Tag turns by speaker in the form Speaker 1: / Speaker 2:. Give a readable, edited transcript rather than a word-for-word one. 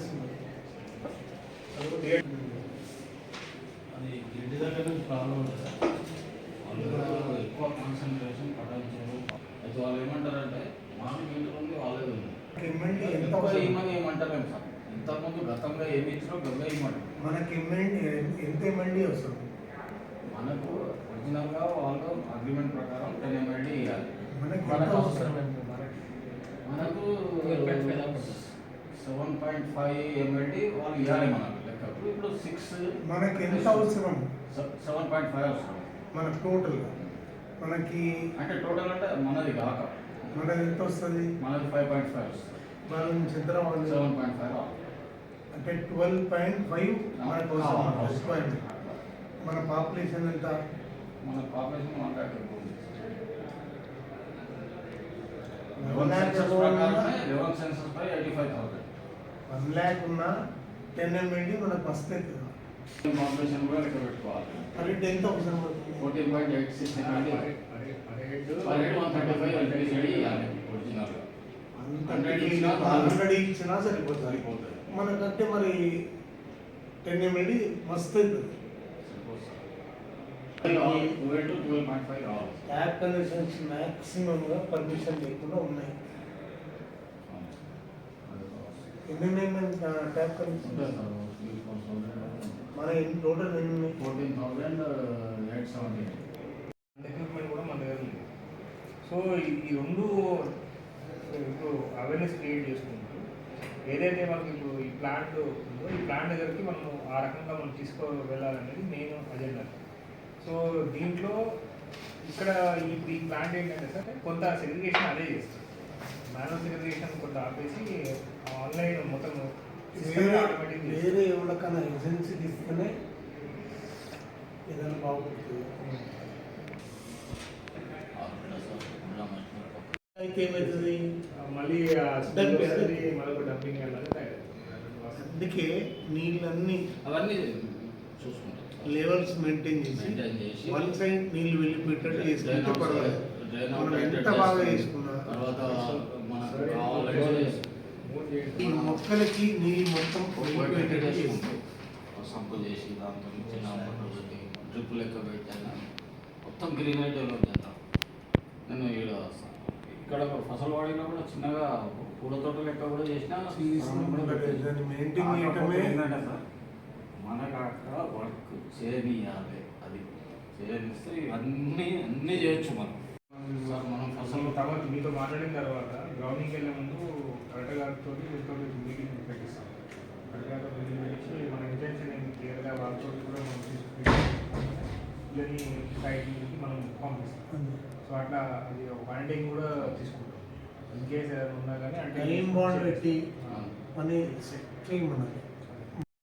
Speaker 1: చేస్తున్నారు.
Speaker 2: అది ఇంటి దగ్గర నుంచి ప్రాబ్లం ఉంటుంది. వాళ్ళు ఎక్కువ కాన్సన్ట్రేషన్ పఠించారు. అయితే వాళ్ళు ఏమంటారంటే మార్నింగ్ ఇంటర్ ఉంది వాళ్ళే ఉంది ఏమని ఏమంటారేమో సార్. ఇంతకుముందు గతంలో ఏమి ఇచ్చినా గతంలో ఏమంటారు.
Speaker 1: మనకి ఎంత ఎంఎల్డీ వస్తుంది?
Speaker 2: మనకు ఒరిజినల్గా వాళ్ళు అగ్రిమెంట్ ప్రకారం 10 MLD ఇవ్వాలి.
Speaker 1: మనకు
Speaker 2: మనకు 7.5 MLD వాళ్ళు ఇవ్వాలి మనకు లెక్కప్పుడు. ఇప్పుడు 6
Speaker 1: మనకి ఎంత అవసరం?
Speaker 2: 7.5 అవసరం
Speaker 1: మనకు టోటల్. మనకి
Speaker 2: అంటే టోటల్ అంటే మనది కాక
Speaker 1: మనది ఎంత వస్తుంది?
Speaker 2: మనది 5.5 వస్తుంది.
Speaker 1: మనం చిత్రం
Speaker 2: 7.5
Speaker 1: అంటే 12.5 మనకు అవసరం. మన పాపులేషన్ ఎంత?
Speaker 2: మన పాపులేషన్ 1 lakh ఎక్కువ.
Speaker 1: 1 lakh ఉన్నా 10 MLD మనకు వస్తుంది.
Speaker 2: పాపులేషన్ కూడా లెక్క పెట్టుకోవాలి.
Speaker 1: అది 10th అవసరం పడుతుంది.
Speaker 2: 14.86 MLD per head 135 LPCD ఇవ్వాలి ఒరిజినల్గా.
Speaker 1: 100 ఇచ్చినా సరిపోతుంది. మనకంటే మరి 10 MLD మస్తు అవుతుంది. యాప్ కనెక్షన్స్ మ్యాక్సిమంగా పర్మిషన్ లేకుండా ఉన్నాయి. ఎన్ని ట్యాప్ కనెక్షన్ మన టోటల్ ఎన్ని ఉన్నాయి?
Speaker 2: 14,870.
Speaker 3: ఎక్విప్మెంట్ కూడా మన దగ్గర ఉంది. సో ఈ రెండు ఇప్పుడు అవేర్నెస్ క్రియేట్ చేసుకుంటూ ఏదైతే మనకి ఇప్పుడు ఈ ప్లాంట్ ఉందో ఈ ప్లాంట్ దగ్గరికి మనం ఆ రకంగా మనం తీసుకో వెళ్ళాలనేది మెయిన్ అజెండా. సో దీంట్లో ఇక్కడ ఈ ప్లాంట్ ఏంటంటే సార్ కొంత సెగ్రిగేషన్ అదే చేస్తుంది. మాన్యువల్ సెగ్రిగేషన్ కొంత ఆపేసి ఆన్లైన్ మొత్తం
Speaker 1: వేరే ఎవరికైనా ఏజెన్సీ తీసుకునే ఏదైనా బాగుంటుంది. అయితే ఏమవుతుంది?
Speaker 3: మళ్ళీ మరొక డంపింగ్ అనేది.
Speaker 1: అందుకే నీళ్ళన్నీ
Speaker 2: అవన్నీ చూసుకుంటాం.
Speaker 1: లెవెల్స్ మెయింటైన్ చేసి వన్ సైడ్ నీళ్ళు వెళ్ళిపోయేటట్టు చేసుకుంటే పర్వాలేదు. మనం ఎంత బాగా చేసుకున్నా
Speaker 2: తర్వాత
Speaker 1: ఈ మొక్కలకి నీళ్ళు మొత్తం వెళ్ళిపోయేటట్టు చేసుకుంటాం.
Speaker 2: సంపు చేసి దాంతో చిన్న డ్రిప్ లెక్క పెట్టాను. మొత్తం గ్రీనరీ డెవలప్ చేస్తాం. నేను ఇక్కడ ఫసల్వాడిలో కూడా చిన్నగా పూల తోట లెక్క కూడా చేసినా ఏంటంటే సార్ మనకు అక్కడ వర్క్ చేయనియాలి. అది చేయనిస్తే అన్నీ చేయొచ్చు మనం. సార్ మనం ఫసల్
Speaker 3: తర్వాత మీతో మాట్లాడిన తర్వాత గ్రౌండింగ్కి వెళ్ళే ముందు కలెక్టర్ గారితో మీటింగ్ పెట్టిస్తాం. కలెక్టర్ గారితో మీటింగ్ పెట్టించి మన ఇంటెన్షన్ ఏంటి క్లియర్గా వాళ్ళతో కూడా మనం తీసుకుని సైడ్కి మనం పంపిస్తాం. సో అట్లా అది ఒక వారంటీని కూడా తీసుకుంటాం. ఇన్ కేసు ఏదైనా ఉన్నా కానీ అంటే
Speaker 1: టైం బాండ్ పెట్టి పని చేయమన్నారు.